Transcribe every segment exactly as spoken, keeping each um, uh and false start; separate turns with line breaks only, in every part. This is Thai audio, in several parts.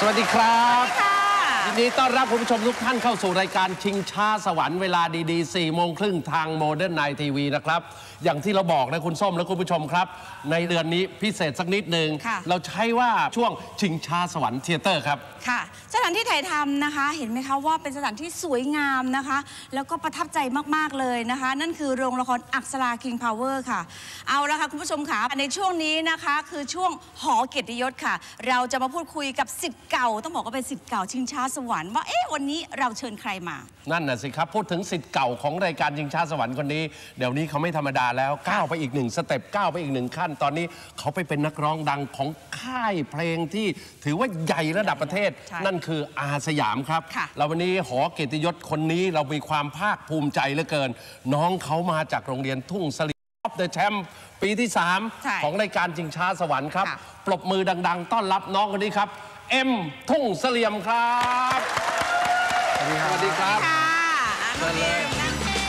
วัสดีครับยินดีต้อนรับคุณผู้ชมทุกท่านเข้าสู่รายการชิงช้าสวรรค์เวลาดีๆสี่โมงครึ่งทางโมเดิร์นไนท์ทีวีนะครับอย่างที่เราบอกนะคุณส้มและคุณผู้ชมครับในเดือนนี้พิเศษสักนิดหนึ่งเราใช้ว่าช่วงชิงช้าสวรรค์เธียเตอร์ครับ
ค่ะสถานที่ถ่ายทำนะคะเห็นไหมคะว่าเป็นสถานที่สวยงามนะคะแล้วก็ประทับใจมากๆเลยนะคะนั่นคือโรงละครอักษรา King Power ค่ะเอาละค่ะคุณผู้ชมค่ะในช่วงนี้นะคะคือช่วงหอเกียรติยศค่ะเราจะมาพูดคุยกับศิษย์เก่าต้องบอกว่าเป็นศิษย์เก่าชิงช้าสวรรค์ว่าเอ๊ะวันนี้เราเชิญใครมา
นั่นน่ะสิครับพูดถึงศิษย์เก่าของรายการชิงช้าสวรรค์คนนี้เดี๋ยวนี้เขาไม่ธรรมดาแล้วก้าวไปอีกหนึ่งสเต็ปก้าวไปอีกหนึ่งขั้นตอนนี้เขาไปเป็นนักร้องดังของค่ายเพลงที่ถือว่าใหญ่ระดับประเทศนั่นคืออาสยามครับเราวันนี้หอเกียรติยศคนนี้เรามีความภาคภูมิใจเหลือเกินน้องเขามาจากโรงเรียนทุ่งเสลี่ยมเดอะแชมป์ปีที่สามของรายการชิงช้าสวรรค์ครับปรบมือดังๆต้อนรับน้องคนนี้ครับเอ็มทุ่งเสลี่ยมครับสวัสดีครับ
สวัสดีครับ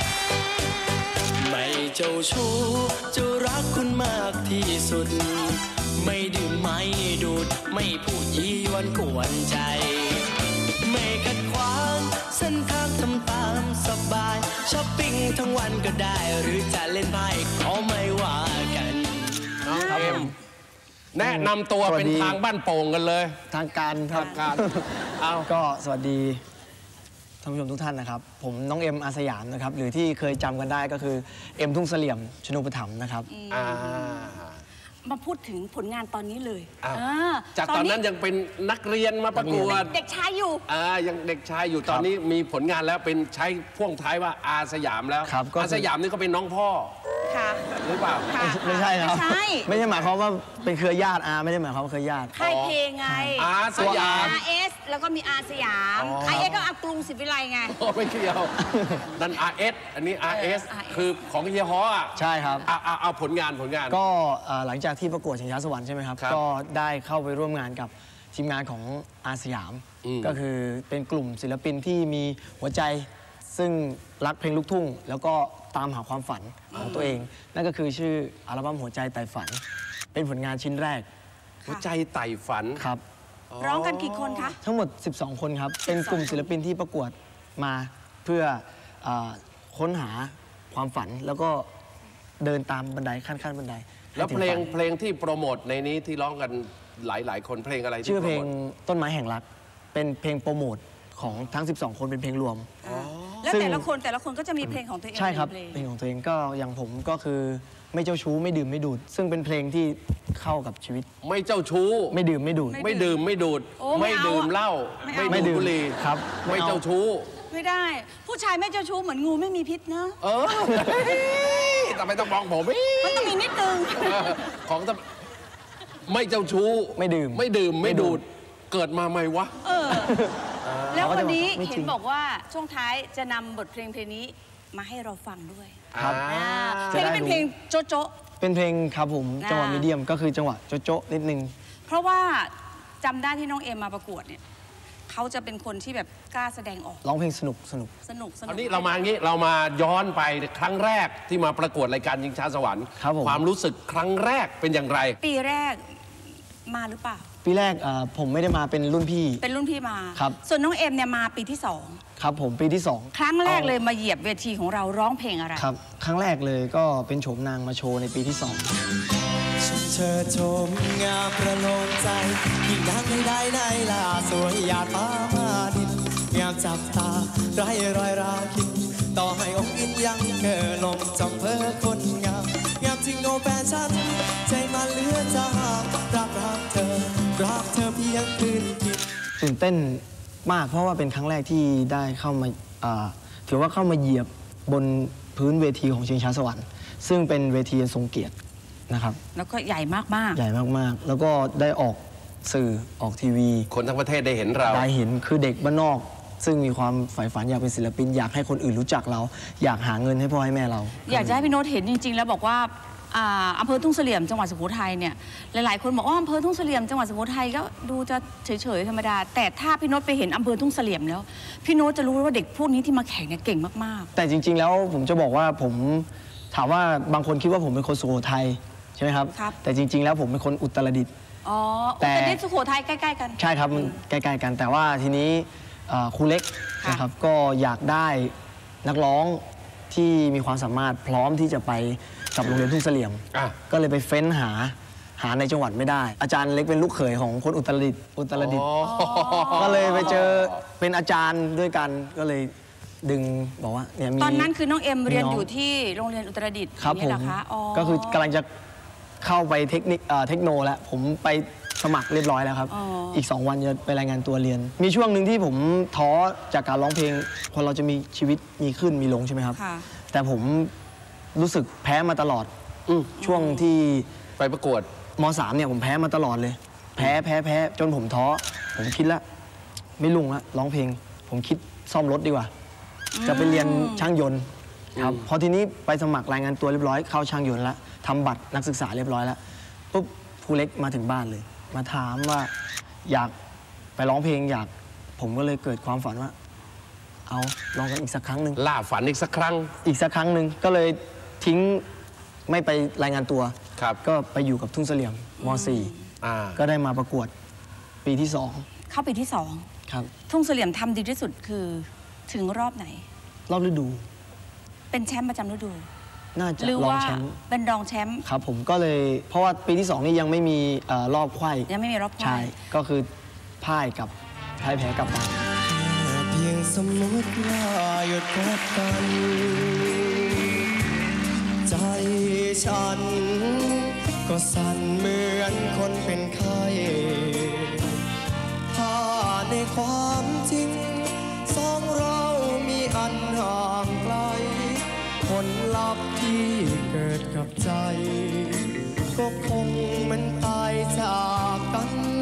ไม่เจ้าชู้จะรักคุณมากที่สุดไม่ดื่มไม่ดูดไม่พูดยียวนกวนใจไม่ขัดขวางเส้นทางทำตามสบายช้อปปิ้งทั้งวันก็ได้หรือจะเล่นไพ่ก็ไม่ว่ากัน
น้องเอ็มแนะนำตัวเป็นทางบ้านโป่งกันเลย
ทางการ
ทางการเอา
ก็สวัสดีท่านผู้ชมทุกท่านนะครับผมน้องเอ็มอาสยามนะครับหรือที่เคยจำกันได้ก็คือเอ็มทุ่งเสลี่ยมชนูปถัมภ์นะครับ
มาพูดถึงผลงานตอนนี้เลย
จากตอนนั้นยังเป็นนักเรียนมาประกวด
เด็กชายอยู่
อ่ายังเด็กชายอยู่ตอนนี้มีผลงานแล้วเป็นใช้พ่วงท้ายว่าอาสยามแล้วอาสยามนี่ก็เป็นน้องพ่อ
ค่ะ
หรือเปล่า
ไม่ใช่ครับไม่ใช่หมายความว่าเป็นเครือญาติอาไม่ได้หมายความว่าเครือญาติ
ค่ายเพลงไง
อาสยาม
อาร์ เอส แล้วก็มีอาสยามอาร์ เอส ก็อากรุงศรีวิไลไง
ไม่เกี่ยวนั่น อาร์ เอส อันนี้ อาร์ เอส คือของเฮียฮออ่ะ
ใช่ครับ
เอาเอาผลงานผลงาน
ก็หลังจากที่ประกวดชิงช้าสวรรค์ใช่ไหมครับก็ได้เข้าไปร่วมงานกับทีมงานของอาสยามก็คือเป็นกลุ่มศิลปินที่มีหัวใจซึ่งรักเพลงลูกทุ่งแล้วก็ตามหาความฝันของตัวเองนั่นก็คือชื่ออัลบั้มหัวใจไต่ฝันเป็นผลงานชิ้นแรก
หัวใจไต่ฝัน
ครับ
ร้องกันกี่คนคะ
ทั้งหมดสิบสองคนครับเป็นกลุ่มศิลปินที่ประกวดมาเพื่อค้นหาความฝันแล้วก็เดินตามบันไดขั้นขั้นบันได
แล้วเพลงเพลงที่โปรโมทในนี้ที่ร้องกันหลายๆคนเพลงอะไร
ชื่อเพลงต้นไม้แห่งรักเป็นเพลงโปรโมทของทั้งสิบสองคนเป็นเพลงรวม
แล้วแต่ละคนแต่ละคนก็จะมีเพลงของตัวเอง
ใช่ครับเพลงของตัวเองก็อย่างผมก็คือไม่เจ้าชู้ไม่ดื่มไม่ดูดซึ่งเป็นเพลงที่เข้ากับชีวิต
ไม่เจ้าชู้
ไม่ดื่มไม่ดูด
ไม่ดื่มไม่ดูดไม่ดื่มเหล้าไม่ดื่มบุหรี่
ครับ
ไม่เจ้าชู้
ไม่ได้ผู้ชายไม่เจ้าชู้เหมือนงูไม่มีพิษเนอะ
เออแต่ไม่ต้องมองผม
มันต้องมีนิดนึง
ของไม่เจ้าชู้
ไม่ดื่ม
ไม่ดื่มไม่ดูดเกิดมาใหม่วะ
แล้ววันนี้เห็นบอกว่าช่วงท้ายจะนำบทเพลงเพลงนี้มาให้เราฟังด้วย
ครับ
เพลงนี้เป็นเพลงโจ๊ะโจ๊ะ
เป็นเพลงครับผมจังหวะมีเดียมก็คือจังหวะโจ๊ะโจ๊ะนิดนึง
เพราะว่าจำได้ที่น้องเอ็มมาประกวดเนี่ยเขาจะเป็นคนที่แบบกล้าแสดงออก
ร้องเพลงสนุกสนุก
สนุกสนุก
อันนี้เรามางี้เรามาย้อนไปครั้งแรกที่มาประกวดรายการชิงช้าสวรรค์ความรู้สึกครั้งแรกเป็นอย่างไร
ปีแรกมาหรือเปล่า
ปีแรกผมไม่ได้มาเป็นรุ่นพี่
เป็นรุ่นพี่มา
ครับ
ส่วนน้องเอ็มเนี่ยมาปีที่สอง
ครับผมปีที่สอง
ครั้งแรกเลยมาเหยียบเวทีของเราร้องเพลงอะไร
ครับครั้งแรกเลยก็เป็นโฉมนางมาโชว์ในปีที่สอง
เธอชมงามประโลมใจยิ่งดังไม่ได้ในลาสวยหยาดฟ้ามาดินงามจับตาไร้รอยราคินต่อให้องค์อินยังเกินลมจำเพ้อคนงามงามจริงโนแฟชั่นใจมันเหลือจะหากรักรักเธอรักเธอเพียงคืนกิน
ตื่นเต้นมากเพราะว่าเป็นครั้งแรกที่ได้เข้ามาถือว่าเข้ามาเหยียบบนพื้นเวทีของชิงช้าสวรรค์ซึ่งเป็นเวทีทรงเกียรตินะครับ
แล้วก็ใหญ่มากๆ
ใหญ่มากๆแล้วก็ได้ออกสื่อออกทีวี
คนทั้งประเทศได้เห็นเรา
ได้เห็นคือเด็กบ้านนอกซึ่งมีความใฝ่ฝันอยากเป็นศิลปินอยากให้คนอื่นรู้จักเราอยากหาเงินให้พ่อให้แม่เรา
อยากจะให้พี่โน้ตเห็นจริงๆแล้วบอกว่าอำเภอทุ่งเสลี่ยมจังหวัดสุโขทัยเนี่ยหลายๆคนบอกว่าอำเภอทุ่งเสลี่ยมจังหวัดสุโขทัยก็ดูจะเฉยๆธรรมดาแต่ถ้าพี่โน้ตไปเห็นอำเภอทุ่งเสลี่ยมแล้วพี่โน้ตจะรู้ว่าเด็กพวกนี้ที่มาแข่งเนี่ยเก่งมาก
ๆแต่จริงๆแล้วผมจะบอกว่าผมถามว่าบางคนคิดว่าผมเป็นคนสุโขทัยใช่ไหมครับแต่จริงๆแล้วผมเป็นคนอุตรดิตถ์
อ๋อ
แต่
แต่นี่สุโขทัยใกล้ๆกัน
ใช่ครับมันใกล้ๆกัน แต่ว่าทีนี้เอ่อครูเล็ก
ค่ะ
นะครับก็อยากได้นักร้องที่มีความสามารถพร้อมที่จะไปกับโรงเรียนทุ่งเสลี่ยม
อ่ะ
ก็เลยไปเฟ้นหาหาในจังหวัดไม่ได้ อาจารย์เล็กเป็นลูกเขยของคนอุตรดิตถ์อุตรดิตถ์ก็เลยไปเจอเป็นอาจารย์ด้วยกันก็เลยดึงบอกว่าเนี่ยมี
ตอนนั้นคือน้องเอ็มเรียน
มีน้อง
อยู่ที่โรงเรียนอุตรดิตถ์
ครับ
อย่าง
ผ
นี้
ม
เหรอคะอ๋อ
ก็คือกำลังจะเข้าไปเทคนิคเอ่อเทคโนแล้วผมไปสมัครเรียบร้อยแล้วครับ
อ๋ออี
อีก สอง วันจะไปรายงานตัวเรียน มีช่วงหนึ่งที่ผมท้อจากการร้องเพลงคนเราจะมีชีวิตมีขึ้นมีลงใช่ไหมครับ
ค่ะ
แต่ผมรู้สึกแพ้มาตลอด
อืม
ช่วงที่
ไปประกวด
มสามเนี่ยผมแพ้มาตลอดเลย แพ้แพ้แพ้จนผมท้อผมคิดละไม่ลุ่งละร้องเพลง ผมคิดซ่อมรถดีกว่า จะไปเรียนช่างยนต์ครับพอทีนี้ไปสมัครรายงานตัวเรียบร้อยเข้าช่างยนต์แล้วทำบัตรนักศึกษาเรียบร้อยแล้วปุ๊บครูเล็กมาถึงบ้านเลย มาถามว่าอยากไปร้องเพลงอยากผมก็เลยเกิดความฝันว่า เอาลองกันอีกสักครั้งหนึ่ง
ล่าฝันอีกสักครั้ง
อีกสักครั้งหนึ่งก็เลยทิ้งไม่ไปรายงานตัว
ครับ
ก็ไปอยู่กับทุ่งเสลี่ยมม .สี่
อ่า
ก็ได้มาประกวดปีที่สอง
เข้าปีที่สอง
ครับ
ทุ่งเสลี่ยมทำดีที่สุดคือถึงรอบไหน
รอบฤดู
เป็นแชมป์ประจำฤดู
น่าจะ
หรือ
รอง
ว่า
แชมป์
เป็นรองแชมป์
ครับผมก็เลยเพราะว่าปีที่สองนี่ยังไม่มีเอ่อรอบไขว้
ยังไม่มีรอบ
ใช่
ควาย
ก็คือพ่ายกับพ่ายแพ้กลับมา
เพียงสมมติว่าหยุดพบกัน ใจฉัน ก็สั่นเหมือนคนเป็นไข้ถ้าในความจริงสองเรามีอันห่างไกล ผลลัพธ์ที่เกิดกับใจ ก็คงเหมันตายจากกัน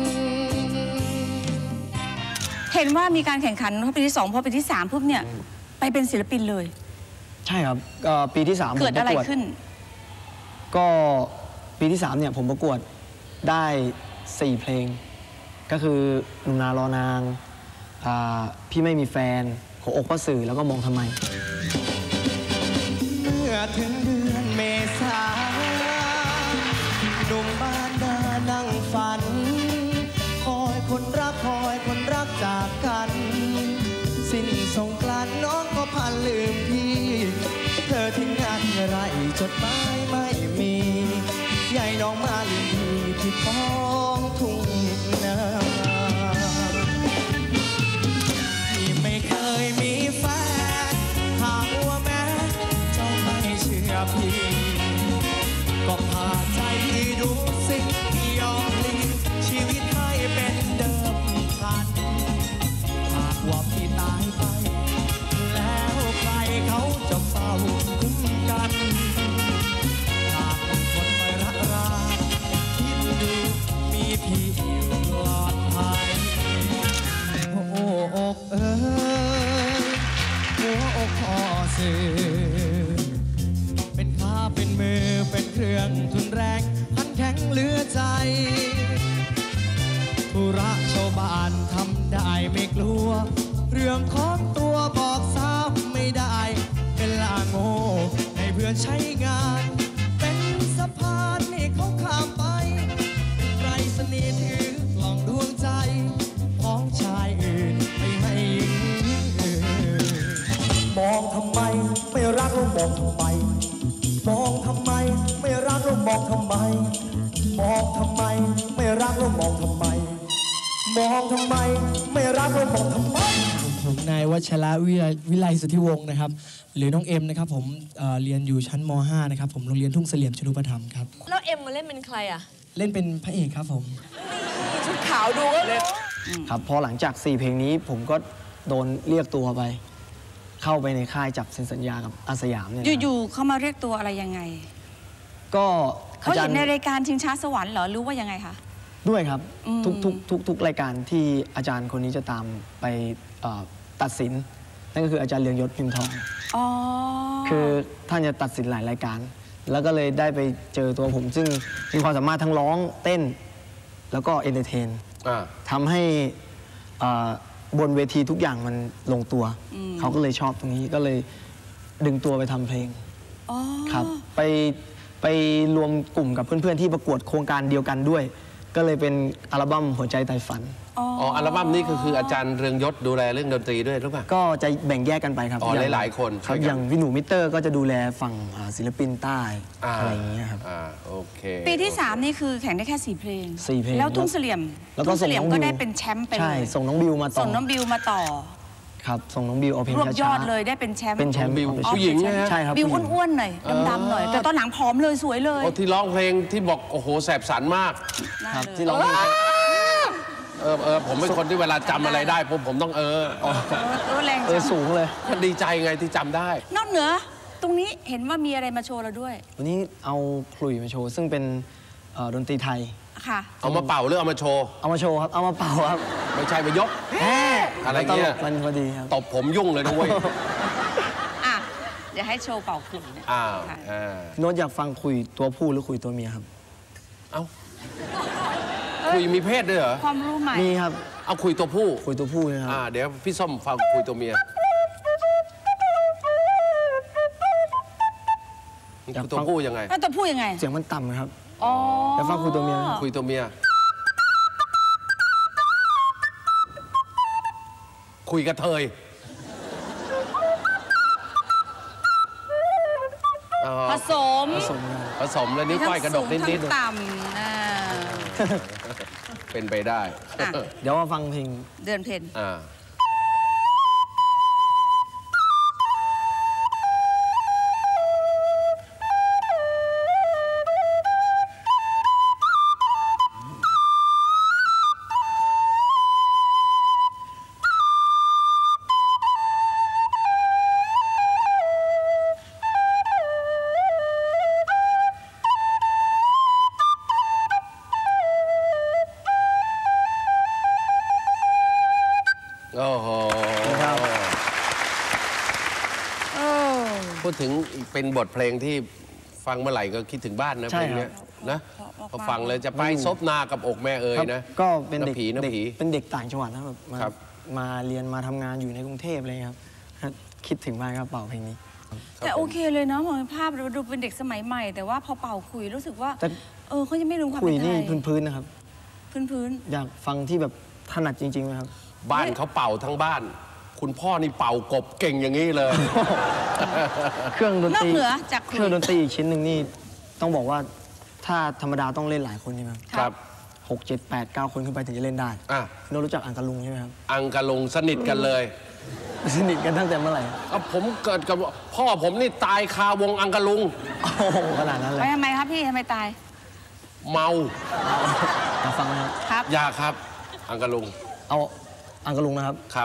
เห็นว่ามีการแข่งขันเพราะปีที่สองพอปีที่สามปุ๊บเนี่ยไปเป็นศิลปินเลย
ใช่ครับก็ปีที่สามผม
เกิด
ป
อะไร
ระกวด
ขึ้น
ก็ปีที่สามเนี่ยผมประกวดได้สี่เพลง ก็คือหนุ่มนารอนางอ่าพี่ไม่มีแฟนหัวอกพ่อสื่อแล้วก็มองทำไม
เมื่อถึงเดือนเมษาหนุ่มบ้านนานั่งฝัน คอยคนรักคอยคนรักจากกัน สิ้นสงกรานต์น้องก็พันลืมพี่ เธอทิ้งงานเมื่อไรจดหมายไม่มีใหญ่น้องมาลืมพี่ที่ท้องทุ่งนาพี่ไม่เคยมีแฟนหากว่าแม้เจ้าไม่เชื่อพี่ก็พาใจพี่ดูสิยอมพลีชีวิตให้เป็นเดิมพันหากว่าพี่ตายไปแล้วใครเขาจะเฝ้าคุ้มกันหากคนไม่รักราคิดดูมีพี่อยู่ปลอดภัยโอ้อกเอ้ยหัวอกพ่อสื่อเป็นขาเป็นมือเป็นเครื่องทุนแรงพันแข็งเหลือใจธุระชาวบ้านทำได้ไม่กลัว เรื่องของตัวบอกซ้ำไม่ได้เป็นลาโง่ให้เพื่อนใช้งาน เป็นสะพานให้เขาข้ามไปไรสนีย์ถือกล่องดวงใจของชายอื่นไปให้หญิงอื่นมองทำไมไม่รักแล้วมองทำไม มองทำไมไม่รักแล้วมองทำไม มองทำไมไม่รักแล้วมองทำไม มองทำไมไม่รักแล้วมองทำไม
ผมนายวัชระวิไลวิไลสุทธิวงศ์นะครับหรือน้องเอ็มนะครับผมเอ่อเรียนอยู่ชั้นม .ห้า นะครับผมโรงเรียนทุ่งเสลี่ยมชนุปถัมภ์ครับ
แล้วเอ็มมาเล่นเป็นใครอ่ะ
เล่นเป็นพระเอกครับผม
ชุดขาวดูก็รู้
ครับพอหลังจากสี่เพลงนี้ผมก็โดนเรียกตัวไป เข้าไปในค่ายจับเซ็นสัญญากับอาสยามเนี่ยนะครับ
อยู่ๆเขามาเรียกตัวอะไรยังไง
ก็
เขา
อาจา
เห็
ร
น
ย์
ในรายการชิงช้าสวรรค์เหรอหรือว่ายังไงคะ
ด้วยครับ
อืม
ทุกทุกทุกทุกรายการที่อาจารย์คนนี้จะตามไปเอ่อตัดสิน นั่นก็คืออาจารย์เรืองยศพิมพ์ทอง
อ๋อ
คือท่านจะตัดสินหลายรายการ แล้วก็เลยได้ไปเจอตัวผม ซึ่งมีความสามารถทั้งร้องเต้น แล้วก็เอนเตอร์เทน
อ่า
ทำให้อ่าบนเวทีทุกอย่างมันลงตัว เขาก็เลยชอบตรงนี้ก็เลยดึงตัวไปทำเพลง
อ๋อ
ครับไปไปรวมกลุ่มกับเพื่อนๆที่ประกวดโครงการเดียวกันด้วยก็เลยเป็นอัลบั้มหัวใจไต่ฝัน
อ๋ออัลบั้มนี้ก็คืออาจารย์เรืองยศดูแลเรื่องดนตรีด้วยหรือเปล่า
ก็จะแบ่งแยกกันไปครับ
อ๋อ
อง
หลายๆคน
ครับ
ช่วยกัน
อย่างพี่หนูมิเตอร์ก็จะดูแลฝั่งอ่าศิลปินใต้
อ่า
อะไรอย่างเงี้ยครับ
อ่าโอเค
ปีที่ สาม นี่คือแข่งได้แค่สี่เพลง
สี่เพลง
แล้วทุ่งเสลี่ยม
แล้วก็
ทุ่งเสลี่ยม
ส่งน้อง
ก็
บิว
ได้เป็นแชมป์ไปเลย
ใช่ส่งน้องบิวมาต่อ
ส่งน้องบิวมาต่อ
ครับส่งน้องบิวเอาเพลง
รวบย
ช้า
อด
ๆ
เลยได้เป็นแชมป์
เป็นแชมป์
บิว
เอา
ผู้หญิงใช่ไหม
ใช่ครับ
บิว
ผู้หญิง
อ้วนๆหน่อยดำๆหน่อย แต่ตอนหลังผอมเลยสวยเลย
โอ้ที่ร้องเพลงที่บอกโอ้โหแสบสันมาก
น่า
ครับ
เลย
ที่ร้อง
เออเออผมเป็นคนที่เวลาจำอะไรได้ผมผมต้องเออ
เออเออแรง
เออ
จัง
สูงเลย
มันดีใจไงที่จำได้
นอกเหนือ ตรงนี้เห็นว่ามีอะไรมาโชว์เราด้วย
วันนี้เอาขลุ่ยมาโชว์ ซึ่งเป็นเอ่อดนตรีไทย
ค่ะ
เอามาเป่าหรือเอามาโชว์
เอามาโชว์ครับ เอามาเป่าครับ
ไม่ใช่มายก อะไร
ตล
เงี้ย
กมันพอดีครับ
ตบผมยุ่งเลยนะเว้ย
อ่ะ เดี๋ยวให้โชว์เป่าขลุ่ยนะ
อ้าว
ค่ะ
อ่า
โน้ตอยากฟังคุยตัวผู้หรือคุยตัวเมียครับ
เอ้าคุยมีเพศด้วยเหรอ
ความรู้ใหม่
มีครับ
เอาคุยตัวผู้
คุยตัวผู้นะครับ
อ่าเดี๋ยวพี่ส้มฟังคุยตัวเมีย
อยาก
คุยตัว
ฟัง
ผู้ยังไง
แล้วตัวพูดยังไง
เสียงมันต่ำนะครับ
อ๋อ
อยากฟังคุยตัวเมียไหม
คุยตัวเมีย คุยกระเทยอ๋อ
ผสม
ผสมกัน
ผสมแล้วนิ้วก้อยกระดกนิด
ทั้งสูงทั้งต่ำอ่า
ๆเป็นไปได้
อ่ะ
เดี๋ยวมาฟังเพลง
เดือนเพ็ญ
อ่า โอ้โห
ครับ
เออ
พูดถึงเป็นบทเพลงที่ฟังเมื่อไหร่ก็คิดถึงบ้านนะ
ใช่
เพลง
ครับ
เนี้ยนะ
เพราะ
พอฟังเลยจะไปซบนากับอกแม่เอ่ย
ครับ
นะ
ก็เป็นเด็ก
ำผีน้ำ
เด็ก
ผี
เป็นเด็กต่างจังหวัดนะครับมา
ครับ
มาเรียนมาทำงานอยู่ในกรุงเทพอะไรครับ คิดถึงมากครับเป่าเพลงนี้
แต่โอเคเลยเนาะมองภาพเราดูเป็นเด็กสมัยใหม่ แต่ว่าพอเป่าคุยรู้สึกว่า
แต่
เออเขายังไม่รู้ความ
คุย
เป็นไท
นี่
ย
พื้นๆนะครับ
พื้นพื้น
อยากฟังที่แบบถนัดจริงๆนะครับ
บ้านเขาเป่าทั้งบ้าน คุณพ่อนี่เป่ากบเก่งอย่างนี้เลย
เครื่องดน
นอ
ต
ก
รี
เหนือจาก
เค
คุย
รื่องดนตรีอีกชิ้นหนึ่งนี่ต้องบอกว่าถ้าธรรมดาต้องเล่นหลายคนใช่ไหมครับ
ครับ
หกเจ็ดแปดเก้าคนขึ้นไปถึงจะเล่นได้
อ่ะ
โน้ตรู้จักอังกะลุงใช่ไหมครับ
อังกะลุงสนิทกันเลย
สนิทกันตั้งแต่เมื่อไหร่
ก็ผมเกิดกับพ่อผมนี่ตายคาวงอังกะลุง
โอ้โหขนาดนั้นเล
ไป
ย
ทำไมครับพี่ทำไมตาย
เมา
อยากฟังนะครับ
ครับ
อยากครับ อังกะลุง
เอาอังกะลุงนะครับ
ครับ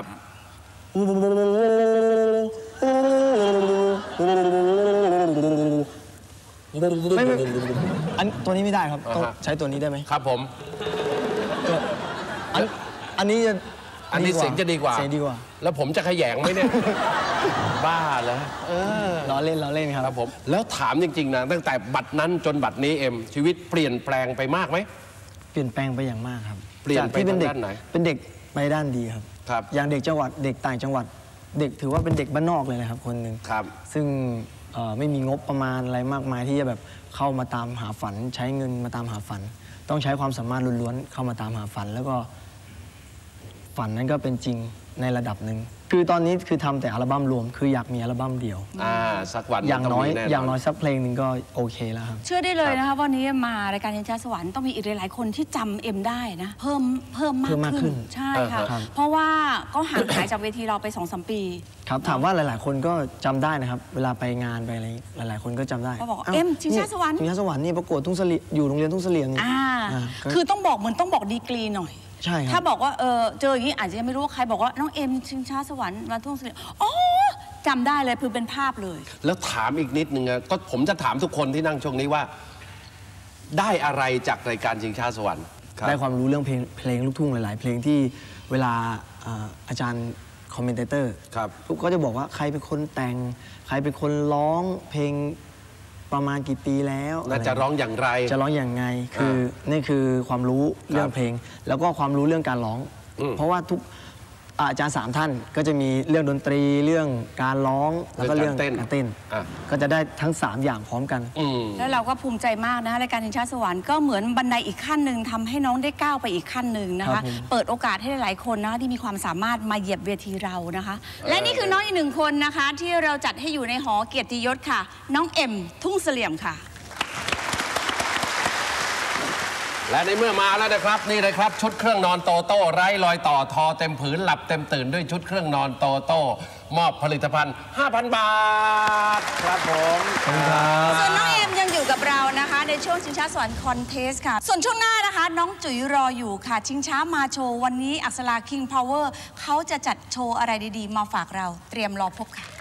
ไม่ไม่อันตัวนี้ไม่ได้ครับต้อง
อ่าฮะ
ใช้ตัวนี้ได้ไหม
ครับผม
ตัวอันอันนี้จะ
อันนี้เสียงจะดีกว่า
เสียงดีกว่า
แล้วผมจะขยงไหมเนี่ย บ้าเหรอเออ
ล้อเล่นล้อเล่นครับ
ครับผม แล้วถามจริง ๆ นะ ตั้งแต่บัดนั้นจนบัดนี้เอ็ม ชีวิตเปลี่ยนแปลงไปมากไหม
เปลี่ยนแปลงไปอย่างมากครับ
เปลี่ยนไป
จากที่เป็นเด็ก
ทางด้านไหน
เป็นเด็กไปด้านดีครับ
ครับ
อย่างเด็กจังหวัดเด็กต่างจังหวัด เด็กถือว่าเป็นเด็กบ้านนอกเลยนะครับคนหนึ่ง
ครับ
ซึ่งเอ่อไม่มีงบประมาณอะไรมากมายที่จะแบบเข้ามาตามหาฝัน ใช้เงินมาตามหาฝัน ต้องใช้ความสามารถล้วนๆเข้ามาตามหาฝัน แล้วก็ฝันนั้นก็เป็นจริงในระดับหนึ่งคือตอนนี้คือทำแต่อัลบั้มรวม คืออยากมีอัลบั้มเดียว
อ่า สักวัน
อย่างน้อย
ต้มีแ
อย่างน้อยสักเพลงหนึ่งก็โอเคแล้วครับ
เชื่อได้เลยนะคะวันนี้มารายการยินชาสวรรค์ต้องมีอีกหลาย ๆ คนที่จำเอ็มได้นะ เพิ่มเพิ่ม
เพิ่มาก กขึ้
มามขึ้น
น
ใช่ค่ะ
ครับ
เพราะว่าก็ห่างหายจากเวทีเราไปสองสามปี
ครับถามว่าหลาย ๆ คนก็จำได้นะครับ เวลาไปงานไปอะไรหลาย ๆ คนก็จำได้
ก็บอก
าว
เอ็มชิงช้าสวรรค์
ชิงช้าสวรรค์นี่ประกวดทุ่งเสลี่ยอยู่โรงเรียนทุ่งเสลี่ยงนี่
อ่า
อ่าก็
คือต้องบอกเหมือนต้องบอกดีกรีหน่อย
ใช่ค
ถ้า
รับ
บอกว่าเออเจออย่างนี้อาจจะยังไม่รู้ว่าใครบอกว่าน้องเอ็มชิงช้าสวรรค์มาทุ่งเสลี่ยมอ๋อจำได้เลยคือเป็นภาพเลย
แล้วถามอีกนิดนึงอะก็ผมจะถามทุกคนที่นั่งช่วงนี้ว่า ได้อะไรจากรายการชิงช้าสวรรค์ครับ
ได้ความรู้เรื่องเพลงเพลงลูกทุ่งหลาย ๆ เพลงที่เวลาอ่าอาจารย์คอมเมนเตอร์
ครับ
ทุกก็จะบอกว่าใครเป็นคนแต่ง ใครเป็นคนร้องเพลงประมาณกี่ปีแล้ว
น่าจะร้องอย่างไร
จะร้องอย่างไงคือนี่คือความรู้เรื่องเพลง แล้วก็ความรู้เรื่องการร้อง
อืม
เพราะว่าทุกอาจารย์สามท่านก็จะมีเรื่องดนตรีเรื่องการร้องแล้วก็เรื่องการเต้นก็จะได้ทั้งสามอย่างพร้อมกัน
แล้วเราก็ภูมิใจมากนะคะรายการชิงช้าสวรรค์ก็เหมือนบันไดอีกขั้นหนึ่งทำให้น้องได้ก้าวไปอีกขั้นหนึ่งนะคะเปิดโอกาสให้หลายๆคนนะคะที่มีความสามารถมาเหยียบเวทีเรานะคะและนี่คือน้องอีกหนึ่งคนนะคะที่เราจัดให้อยู่ในหอเกียรติยศค่ะน้องเอ็มทุ่งเสลี่ยมค่ะ
และในเมื่อมาแล้วนะครับนี่เลยครับชุดเครื่องนอนโตโต้ไร้รอยต่อทอเต็มผืนหลับเต็มตื่นด้วยชุดเครื่องนอนโตโต้มอบผลิตภัณฑ์ ห้าพัน บาทครับผม
ส่วนน้องเอ็มยังอยู่กับเรานะคะในช่วงชิงช้าสวรรค์คอนเทสค่ะส่วนช่วงหน้านะคะน้องจุ๋ยรออยู่ค่ะชิงช้ามาโชว์วันนี้อักษรา King Power เขาจะจัดโชว์อะไรดีๆมาฝากเราเตรียมรอพบค่ะ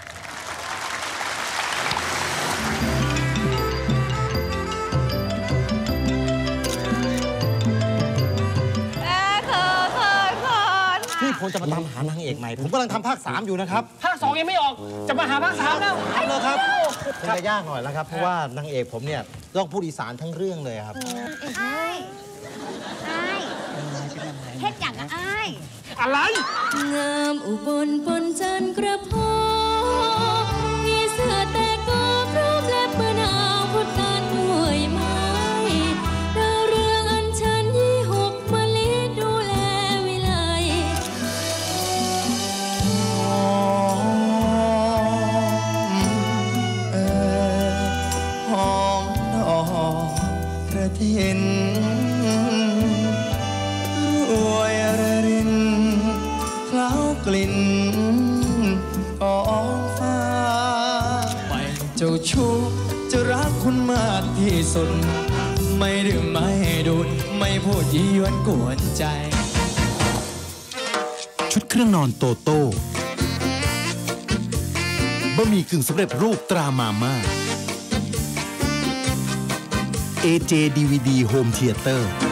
พี่ผมจะมาตามหานางเอกใหม่ผมกำลังทำภาคสามอยู่นะครับ
ภาคสองยังไม่ออกจะมาหาภาคสามแล้ว
ทำเลยครับคงจะยากหน่อยแล้วครับเพราะว่านางเอกผมเนี่ยต้องพูดอีสานทั้งเรื่องเลยครับ
ไอ้ไอ้เฮ็ดอย่างไอ้
อะไร
งามอุบลปนจันกระพงมีเสื้อแต่ก็พร้อมและเปื้อนาวพุทธานด้วยไม้ดาวเรืองอันชันยี่หกมะลิดูแลวิไล
หอมดอกกระเทียนรวยระรินเคล้ากลิ่นกองฟ้าไม่เจ้าชู้จะรักคุณมากที่สุดไม่ดื่มไม่ดูดไม่พูดยี่ยวนกวนใจ
ชุดเครื่องนอนโตโต้บะหมี่กึ่งสำเร็จรูปตรามาม่า เอ เจ ดี วี ดี Home Theater